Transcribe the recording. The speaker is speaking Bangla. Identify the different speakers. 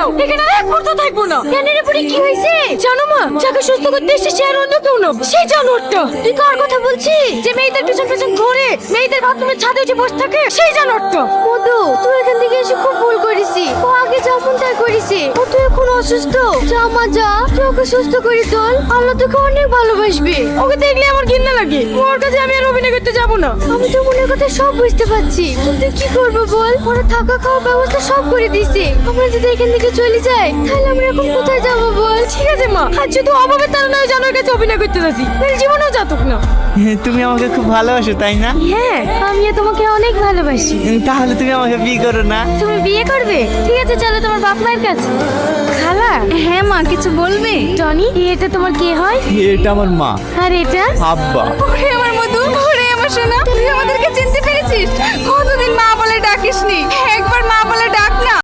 Speaker 1: যাও, এখানে আর এক মুহূর্ত থাকবো না। কেন রে বুড়ি, কি হয়েছে? জানো মা, যাকে সুস্থ করতে এসেছে সে আর অন্য কেউ না, সেই জানোয়ারটা। তুই কার কথা বলছিস? যে মেয়েদের পেছন পেছন ঘোরে, মেয়েদের বাথরুমের ছাদে উঠে বসে থাকে, সেই জানোয়ারটা। মধু, তুই এখান থেকে এসে খুব ভুল করেছি। ও আগে যেমন তাই করেছে, ও তো এখন অসুস্থ। যা মা যা, তুই ওকে সুস্থ করে তোল, আল্লাহ তোকে অনেক ভালোবাসবে। ওকে দেখলে আমার ঘৃণা লাগে, ওর কাছে আমি আর অভিনয় করতে যাবো না। আমি তো মনের কথা সব বুঝতে পারছি, কিন্তু কি করবো বল? ওরা থাকা খাওয়ার ব্যবস্থা সব করে দিয়েছে। আমরা যদি এখান থেকে চলে যাই তাহলে আমরা এখন কোথায় যাবো বল? ঠিক আছে মা, আর যদি অভাবের তারা নয় জানোর কাছে অভিনয় করতে যাচ্ছি, তাহলে জীবনেও যাতক না।
Speaker 2: তুমি আমাকে খুব ভালোবাসো তাই না?
Speaker 1: হ্যাঁ, আমিও তোমাকে অনেক ভালোবাসি।
Speaker 2: তাহলে তুমি আমাকে বিয়ে করো না?
Speaker 1: তুমি বিয়ে করবে? ঠিক আছে, চলো তোমার বাপ মায়ের কাছে। খালা। হ্যাঁ মা, কিছু বলবে? টনি, এটা তোমার কে হয়?
Speaker 2: এটা আমার মা।
Speaker 1: আর এটা?
Speaker 2: আব্বা।
Speaker 1: ওরে আমার মধু, ওরে আমার সোনা, তুই আমাদেরকে চিনতে পেরেছিস? কতদিন মা বলে ডাকিসনি, একবার মা বলে ডাক না।